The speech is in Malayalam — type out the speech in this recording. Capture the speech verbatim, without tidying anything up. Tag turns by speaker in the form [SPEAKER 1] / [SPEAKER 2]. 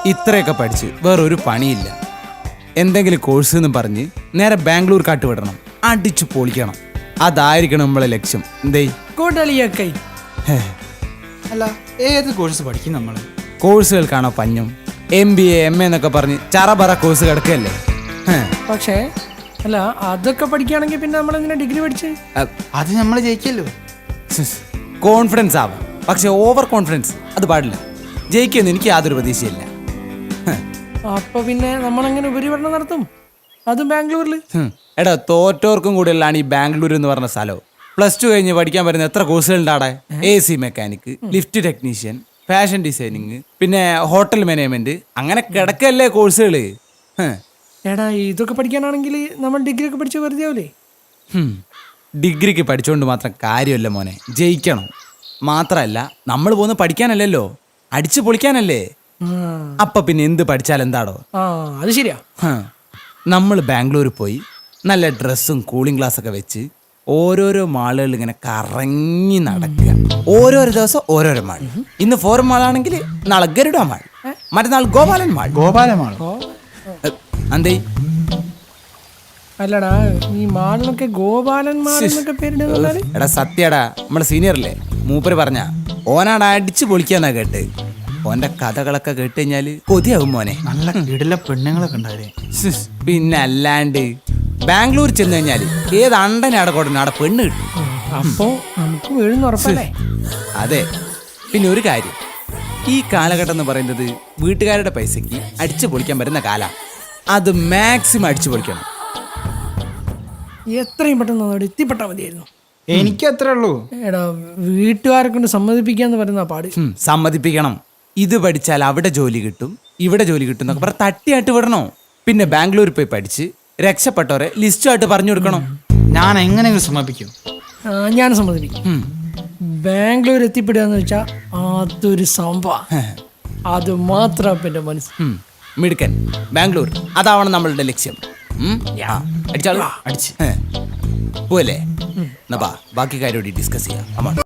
[SPEAKER 1] ഇത്രയൊക്കെ പഠിച്ച് വേറൊരു പണിയില്ല. എന്തെങ്കിലും കോഴ്സ് എന്ന് പറഞ്ഞ് നേരെ ബാംഗ്ലൂർ കാട്ട് വിടണം, അടിച്ചു പൊളിക്കണം. അതായിരിക്കണം നമ്മളെ ലക്ഷ്യം. എന്തേ
[SPEAKER 2] കൂട്ടളിയൊക്കെ
[SPEAKER 1] ഹേ,
[SPEAKER 3] അല്ല ഏത് കോഴ്സ് പഠിക്കും നമ്മള്?
[SPEAKER 1] കോഴ്സുകൾക്കാണോ പഞ്ഞം? M B A M A എന്നൊക്കെ പറഞ്ഞ് ചറപറ കോഴ്സ് കിടക്കല്ലേ. ഹേ,
[SPEAKER 2] പക്ഷേ അല്ല അതൊക്കെ പഠിക്കുകയാണെങ്കിൽ പിന്നെ നമ്മളെന്തിനാ ഡിഗ്രി പഠിച്ച്?
[SPEAKER 1] അ-
[SPEAKER 3] അത് നമ്മൾ ജയിക്കല്ലോ.
[SPEAKER 1] സിസ്, കോൺഫിഡൻസ് ആവാം, പക്ഷെ ഓവർ കോൺഫിഡൻസ് അത് പാടില്ല. ജയിക്കുമെന്ന് എനിക്ക് യാതൊരു പ്രതീക്ഷയില്ല. ഹേ,
[SPEAKER 2] അപ്പൊ പിന്നെ നമ്മളെങ്ങനെ ഉപരിപഠനം നടത്തും, അതും ബാംഗ്ലൂരിൽ?
[SPEAKER 1] ഹും. എടാ തോറ്റോർക്കും കൂടിയുള്ളതാണ് ഈ ബാംഗ്ലൂർ എന്ന് പറഞ്ഞ സ്ഥലം. പ്ലസ് ടു കഴിഞ്ഞ് പഠിക്കാൻ പറ്റുന്ന എത്ര കോഴ്സുകളുണ്ട് അവിടെ? A C mechanic, lift technician, fashion designing, പിന്നെ ഹോട്ടൽ മാനേജ്മെന്റ്, അങ്ങനെ കിടക്കല്ലേ കോഴ്സുകള്. ഹ്.
[SPEAKER 2] എടാ ഇതൊക്കെ പഠിക്കാനാണെങ്കിൽ നമ്മൾ ഡിഗ്രി ഒക്കെ പഠിച്ച വെറുതെ ആവില്ലേ?
[SPEAKER 1] ഹും. ഡിഗ്രിക്ക് പഠിച്ചുകൊണ്ട് മാത്രം കാര്യമല്ല മോനെ, ജയിക്കണം. മാത്രമല്ല നമ്മൾ പോകുന്ന പഠിക്കാനല്ലല്ലോ, അടിച്ചു പൊളിക്കാനല്ലേ. അപ്പൊ പിന്നെ എന്ത് പഠിച്ചാൽ എന്താടോ?
[SPEAKER 2] ആ അത് ശരിയാ.
[SPEAKER 1] നമ്മൾ ബാംഗ്ലൂരിൽ പോയി നല്ല ഡ്രസ്സും കൂളിംഗ് ഗ്ലാസ് ഒക്കെ വെച്ച് ഓരോരോ മാളുകളിൽ ഇങ്ങനെ കറങ്ങി നടക്കുക. ഓരോരോ ദിവസം ഓരോരോ മാൾ. ഇന്ന് ഫോറൻ മാളാണെങ്കിൽ നാളെ ഗരുഡ മാൾ, മറ്റന്നാൾ ഗോപാലൻ മാൾ.
[SPEAKER 3] ഗോപാലമാണോ?
[SPEAKER 1] എന്തേ
[SPEAKER 2] അല്ലടാ ഈ മാളിനൊക്കെ ഗോപാലൻ മാൾ എന്നൊക്കെ പേരിടുന്ന
[SPEAKER 1] എടാ സത്യടാ, നമ്മളെ സീനിയറല്ലേ മൂപ്പര് പറഞ്ഞ ഓനാടാ അടിച്ചു പൊളിക്കാന്നാ കേട്ട്. ഓന്റെ കഥകളൊക്കെ കേട്ട് കഴിഞ്ഞാല് കൊതിയാവും മോനെ.
[SPEAKER 3] നല്ല കിടില പെണ്ണുങ്ങളൊക്കെ ഉണ്ടാവേ.
[SPEAKER 1] സിസ്, പിന്നെ അല്ലാണ്ട് ബാംഗ്ലൂർ ചെന്ന് കഴിഞ്ഞാല് ഏത് അണ്ടനെ അവിടെ കൊടുക്കണം, അവിടെ പെണ്ണ് കിട്ടും.
[SPEAKER 2] അപ്പോ നമുക്ക് വീഴുന്ന ഉറപ്പല്ലേ?
[SPEAKER 1] അതെ. പിന്നെ ഒരു കാര്യം, ഈ കാലഘട്ടം എന്ന് പറയുന്നത് വീട്ടുകാരുടെ പൈസക്ക് അടിച്ചു പൊളിക്കാൻ പറ്റുന്ന കാലം. അത് മാക്സിമം അടിച്ചു പൊളിക്കണം.
[SPEAKER 2] എത്രയും പെട്ടെന്ന് അവിടെ എത്തിപ്പെട്ടാൽ മതിയായിരുന്നു.
[SPEAKER 3] എനിക്ക് അത്രേ ഉള്ളൂ.
[SPEAKER 2] എടാ വീട്ടുകാരെ കൊണ്ട് സമ്മതിപ്പിക്കാന്ന് പറയുന്ന പാട്.
[SPEAKER 1] ഉം, സമ്മതിപ്പിക്കണം. ഇത് പഠിച്ചാൽ അവിടെ ജോലി കിട്ടും, ഇവിടെ ജോലി കിട്ടും എന്നൊക്കെ പറഞ്ഞ് തട്ടിയായിട്ട് വിടണോ. പിന്നെ ബാംഗ്ലൂരിൽ പോയി പഠിച്ച് രക്ഷപ്പെട്ടവരെ ലിസ്റ്റായിട്ട് പറഞ്ഞു കൊടുക്കണം.
[SPEAKER 3] ഞാൻ എങ്ങനെയെങ്കിലും സമ്മതിപ്പിക്കും.
[SPEAKER 2] ആ, ഞാൻ സമ്മതിപ്പിക്കും.
[SPEAKER 1] ഉം.
[SPEAKER 2] ബാംഗ്ലൂർ എത്തിപ്പെടുക എന്ന് വെച്ചാൽ അതൊരു സംഭവം. അത് മാത്രം പിന്നെ മനസ്സിൽ.
[SPEAKER 1] ഉം. മിടുക്കൻ. ബാംഗ്ലൂർ അതാവണം നമ്മളുടെ ലക്ഷ്യം. ഉം. ആ, അടിച്ചാലോ?
[SPEAKER 3] അടിച്ച്
[SPEAKER 1] പോവല്ലേ? എന്നാ ബാ, ബാക്കി കാര്യം ഡിസ്കസ് ചെയ്യാം. അമ്മ